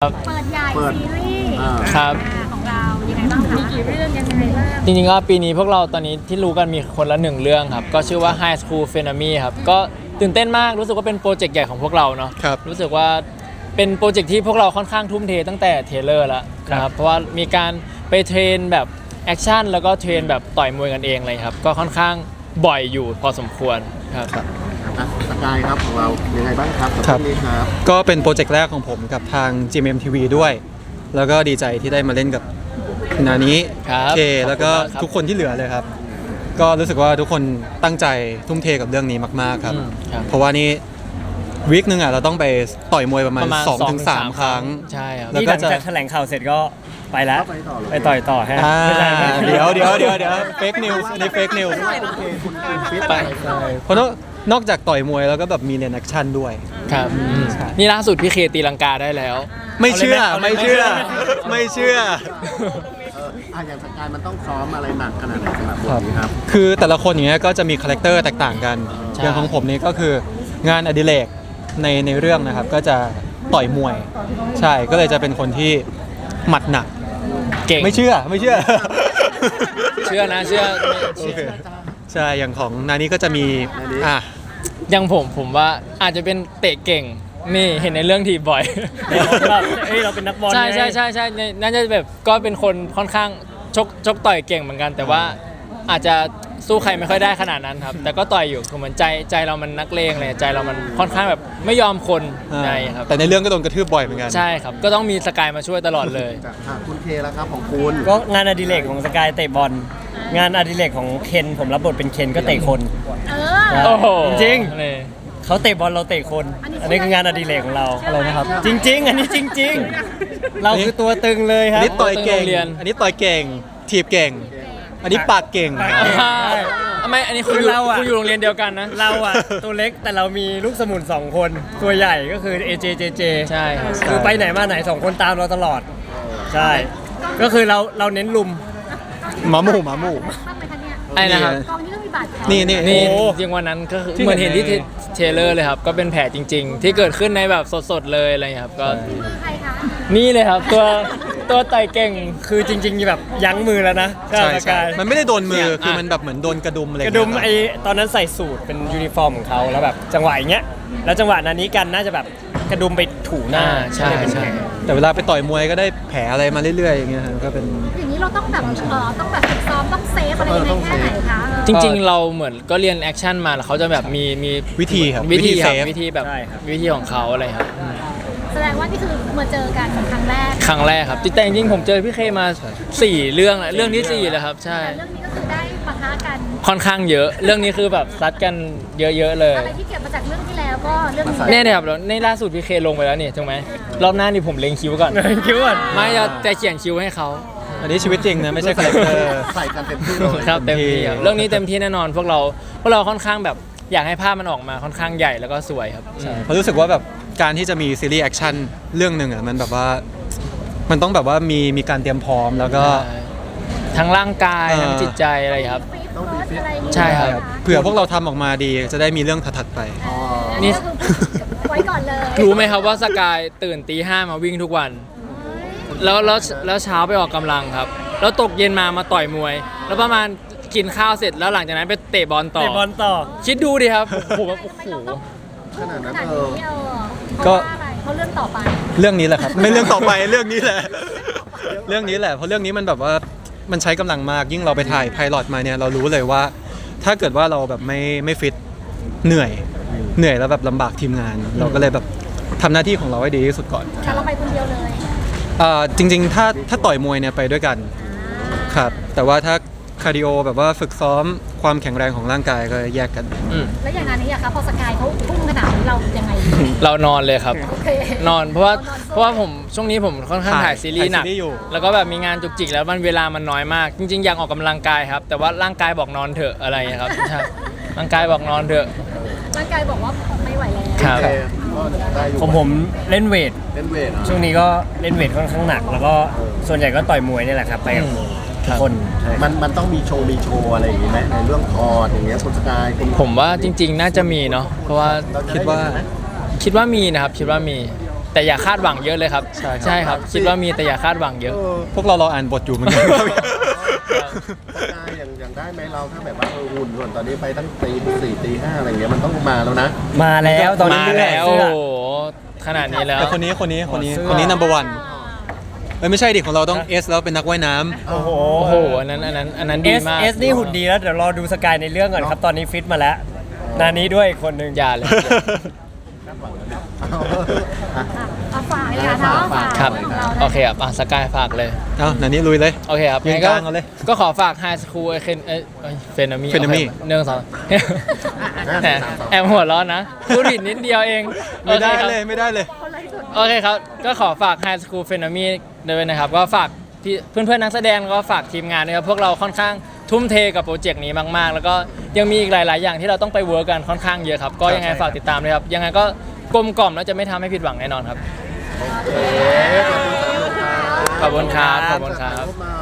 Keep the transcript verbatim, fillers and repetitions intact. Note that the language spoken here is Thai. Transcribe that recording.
เปิดใหญ่ซีรีส์ครับของเรายังไงบ้างคะมีกี่เรื่องยังไงบ้างจริงๆก็ปีนี้พวกเราตอนนี้ที่รู้กันมีคนละหนึ่งเรื่องครับก็ชื่อว่า High School p h e n o m y ครับก็ตื่นเต้นมากรู้สึกว่าเป็นโปรเจกต์ใหญ่ของพวกเราเนาะครับรู้สึกว่าเป็นโปรเจกต์ที่พวกเราค่อนข้างทุ่มเทตั้งแต่เทรลเลอร์แล้วนะครับเพราะว่ามีการไปเทรนแบบแอคชั่นแล้วก็เทรนแบบต่อยมวยกันเองเลยครับก็ค่อนข้างบ่อยอยู่พอสมควรครับอ่ะสกายครับของเรายังไงบ้างครับกับครับเรื่องนี้ครับก็เป็นโปรเจกต์แรกของผมกับทาง จี เอ็ม เอ็ม ที วี ด้วย แล้วก็ดีใจที่ได้มาเล่นกับนานี้ครับเคแล้วก็ขอบคุณมากครับทุกคนที่เหลือเลยครับ ก็รู้สึกว่าทุกคนตั้งใจทุ่มเทกับเรื่องนี้มากๆครับอืมครับเพราะว่านี่วีคนึงอ่ะเราต้องไปต่อยมวยประมาณประมาณสองถึงสามสองถึงสามครั้งใช่ครับแล้วนี่หก็ลังจะจากแถลงข่าวเสร็จก็ไปแล้วไปต่อเลยไปต่อยต่อฮะอ่าไม่ใช่ไม่ใช่เดี๋ยวเดี๋ยวเดี๋ยวเดี๋ยวเฟกนิวส์อันนี้เฟกนิวส์คุณคุณฟิตไปเพราะนอกนอกจากต่อยมวยแล้วก็แบบมีเรียนแอคชั่นด้วยครับอืมนี่ล่าสุดพี่เคตีลังกาได้แล้วไม่เชื่อเอาเลยไหมไม่เชื่อเอาเลยไหมไม่เชื่อเอออ่ะอย่างสกายมันต้องซ้อมอะไรหนักขนาดไหนสำหรับบทนี้ครับคือแต่ละคนอย่างเงี้ยก็จะมีคาแรคเตอร์แตกต่างกันใช่อย่างของผมนี่ก็คืองานอดิเรกในในเรื่องนะครับ ก็จะต่อยมวย ใช่ก็เลยจะเป็นคนที่หมัดหนักเก่งไม่เชื่อไม่เชื่อเชื่อนะเชื่อโอเคใช่อย่างของนานี้ก็จะมีอ่ะยังผมผมว่าอาจจะเป็นเตะเก่งนี่เห็นในเรื่องทีบ่อยเราเอ้ยเราเป็นนักบอลใช่ใช่ไงใช่ใช่ในน่าจะแบบก็เป็นคนค่อนข้างชกชกต่อยเก่งเหมือนกัน แต่ว่าอาจจะสู้ใครไม่ค่อยได้ขนาดนั้นครับ แต่ก็ต่อยอยู่คือเหมือนใจใจเรามันนักเลงเลยใจเรามันค่อนข้างแบบไม่ยอมคนอ่าในครับแต่ในเรื่องก็โดนกระทืบบ่อยเหมือนกันใช่ครับก็ต้องมีสกายมาช่วยตลอดเลยจากอ่ะคุณเคแล้วครับของคุณก็งานอดิเรกของสกายเตะบอลงานอดิเรกของเคนผมรับบทเป็นเคนก็เตะคนเออโอ้โหจริงเลยเขาเตะบอลเราเตะคน อันนี้คืองานอดิเรกของเราอะไรนะครับจริง ๆ อันนี้จริง ๆ เราคือตัวตึงเลยคอัรันบนี้ต่อยเก่งโรงเรียนอันนี้ต่อยเก่งถีบเก่ง อันนี้ปากเก่งปากเก่งอ่าทำไมอันนี้คุณคืออยู่เราอะคุณอยู่โรงเรียนเดียวกันนะเราอะตัวเล็กแต่เรามีลูกสมุนสองคน ตัวใหญ่ก็คือ เอ เจ เจ เจใช่ครับคือไปไหนมาไหนสองคนตามเราตลอด ใช่ ก็คือเราเราเน้นลุมหมาหมู่หมาหมู่มากไหมคะเนี่ยไอ้นะครับกองนี้ก็มีบาดแผลนี่นี่นี่โอ้จริงวันนั้นก็คือที่เหมือนเห็นที่เห็นในเทรลเลอร์เลยครับ ก็เป็นแผลจริง ๆ ที่เกิดขึ้นในแบบสดๆเลยอะไรอย่างเงี้ยครับก็มือใครคะนี่เลยครับ ตัวตัวไต่เก่งคือจริงๆแบบยั้งมือแล้วนะใช่สใช่กายมันไม่ได้โดนมือเนี่ยคืออ่ะมันแบบเหมือนโดนกระดุมอะไรกย่างระดุเงี้ยมไอตอนนั้นใส่สูทเป็นยูนิฟอร์มของเขาแล้วแบบจังหวะอย่างเงี้ยแล้วจังหวะนั้นนี้กันน่าจะแบบกระดุมไปถูหน้าอ่าใช่ใช่แต่เวลาไปต่อยมวยก็ได้แผลอะไรมาเรื่อยๆอย่างเงี้ยฮะก็เป็นอย่างนี้เราต้องแบบเออต้องแบบฝึกซ้อมต้องเซฟอะไรยังไงแค่ไหนคะจริงๆ เราเหมือนก็เรียนแอคชั่นมาแล้วเขาจะแบบมีมีวิธีครับวิธีครับเซฟวิธีแบบใช่ครับวิธีของเขาอะไรครับแสดงว่านี่คือมาเจอกันครั้งแรกครั้งแรกครับแต่จริงๆผมเจอพี่เคมาสี่เรื่องแล้วเรื่องที่สี่แล้วครับ ใช่แต่เรื่องนี้ก็คือได้ปะทะกันค่อนข้างเยอะ เรื่องนี้คือแบบซัดกันเยอะๆเลยอะไรที่เก็บมาจากเรื่องที่แล้วก็เรื่องนี้เนี่ยเนี่ยครับแล้วในล่าสุดพี่เคลงไปแล้วนี่ถูกไหมรอบหน้านี่ผมเล็งคิ้วก่อนคิดว่าไม่จะจะเขียนคิ้วให้เขาอันนี้ชีวิตจริงนะไม่ใช่คาแรคเตอร์ใส่กันเต็มที่เลยครับเต็มที่ครับเรื่องนี้เต็มที่แน่นอนพวกเราพวกเราค่อนข้างแบบอยากให้ภาพมันออกมาค่อนข้างใหญ่แล้วก็สวยครับเพราะรู้สึกว่าแบบการที่จะมีซีรีส์แอคชั่นเรื่องหนึ่งอ่ะมันแบบว่ามันต้องแบบว่ามีมีการเตรียมพร้อมแล้วก็ใช่ทั้งร่างกายเออทั้งจิตใจอะไรครับฟีดเฟิร์สอะไรอย่างงี้ใช่ครับเผื่อพวกเราทำออกมาดีจะได้มีเรื่องถัดๆไปอ๋อนี่นี่ไว้ก่อนเลยรู้ไหมครับว่าสกายตื่นตีห้ามาวิ่งทุกวัน แล้วแล้วแล้วเช้าไปออกกำลังครับ แล้วตกเย็นมามาต่อยมวย แล้วประมาณกินข้าวเสร็จแล้วหลังจากนั้นไปเตะบอลต่อเตะบอลต่อคิดดูดิครับผมแบบโอ้โหขนาดขนั้นนาดเออนี้เออก็เพราะว่าอะไรเพราะเรื่องต่อไปเรื่องนี้แหละครับ ไม่เรื่องต่อไป เรื่องนี้แหละ เรื่องนี้แหละเพราะเรื่องนี้มันแบบว่ามันใช้กำลังมากยิ่งเราไปถ่ายไพลอตมาเนี่ยเรารู้เลยว่า ถ้าเกิดว่าเราแบบไม่ไม่ฟิตเหนื่อยเหนื่อยแล้วแบบลำบากทีมงาน เราก็เลยแบบทำหน้าที่ของเราให้ดีที่สุดก่อนแต่เราไปคนเดียวเลยอ่าจริง ๆ ถ้าถ้าต่อยมวยเนี่ยไปด้วยกันครับแต่ว่าถ้าคาร์ดิโอแบบว่าฝึกซ้อมความแข็งแรงของร่างกายก็แยกกันอืมแล้วอย่างงานนี้อะคะพอสกายเขาพุ่งขนาดนี้เรายังไงดีเรานอนเลยครับโอเคนอนเพราะว่าเรานอนสู้เพราะว่าผมช่วงนี้ผมค่อนข้างถ่ายถ่ายซีรีส์หนักถ่ายซีรีส์อยู่แล้วก็แบบมีงานจุกจิกแล้วมันเวลามันน้อยมาก จริง ๆ อยากออกกำลังกายครับ แต่ว่าร่างกายบอกนอนเถอะอะไรอย่างเงี้ยครับใช่ร่างกายบอกนอนเถอะร่างกายบอกว่าไม่ไหวแล้วครับโอเคก็ได้อยู่ของผมเล่นเวทเล่นเวทเหรอช่วงนี้ก็เล่นเวทค่อนข้างหนัก แล้วก็ส่วนใหญ่ก็ต่อยมวยนี่แหละครับไปกับอืมทุกคนใช่มันมันต้องมีโชว์มีโชว์อะไรอย่างงี้ไหมในเรื่องคอร์ดอย่างเงี้ยคุณสกายคุณผมว่าจริง ๆ น่าจะมีเนาะเพราะว่าเรจะคิดว่าไเห็นไหมคิดว่ามีนะครับคิดว่ามีแต่อย่าคาดหวังเยอะเลยครับใช่ครับใช่ครับคิดว่ามีแต่อย่าคาดหวังเยอะพวกเราเราอ่านบทอยู่เหมือนกันสกายอย่างอย่างได้ไหมเราถ้าแบบว่าเออหุ่นส่วนตอนนี้ไปตั้งตีสี่ตีห้าอะไรอย่างเงี้ยมันต้องมาแล้วนะมาแล้วตอนนี้มาเรื่อยแล้วเสื้โอ้อโหขนาดนี้แล้วแต่คนนี้คนนี้คนนี้เสื้อคนนี้ number one เอ้ยไม่ใช่ดิของเราต้อง S แล้วเป็นนักว่ายน้ำโอ้โหโอ้โหอันนั้นอันนั้นอันนั้นดี S มาก S นี่หุ่นดีแล้วเดี๋ยวรอดูสกายในเรื่องก่อนครับ ตอนนี้ฟิตมาแล้ว นานี้ด้วยอีกคนหนึ่งอย่าเลยอ่ะเอาฝากเลยค่ะน้องฝากครับของเราโอเคครับอ่ะสกายฝากเลยเอาหนันนี้ลุยเลยโอเคครับยืนงั้นกลางเอาเลยก็ขอฝาก High School เคนเอ้ยเฟนามี Phenami เนื่องสองแหมแอบหัวร้อนนะพูดผิดนิดเดียวเองไม่ได้โอคครับเลยไม่ได้เลยโอเคครับ ก็ขอฝาก High School Phenami ด้วยนะครับ ก็ฝากพี่เพื่อนๆนักแสดงแล้วก็ฝากทีมงานด้วยครับพวกเราค่อนข้างทุ่มเทกับโปรเจกต์นี้มากๆ แล้วก็ยังมีอีกหลาย ๆ อย่างที่เราต้องไปเวิร์กกันค่อนข้างเยอะครับ ก็ยังไงฝากติดตามด้วยครับ ยังไงก็กลมกล่อมแล้วจะไม่ทำให้ผิดหวังแน่นอนครับขอบคุณสามหนุ่มครับขอบคุณครับขอบคุณครับถ่ายรูปหน่อย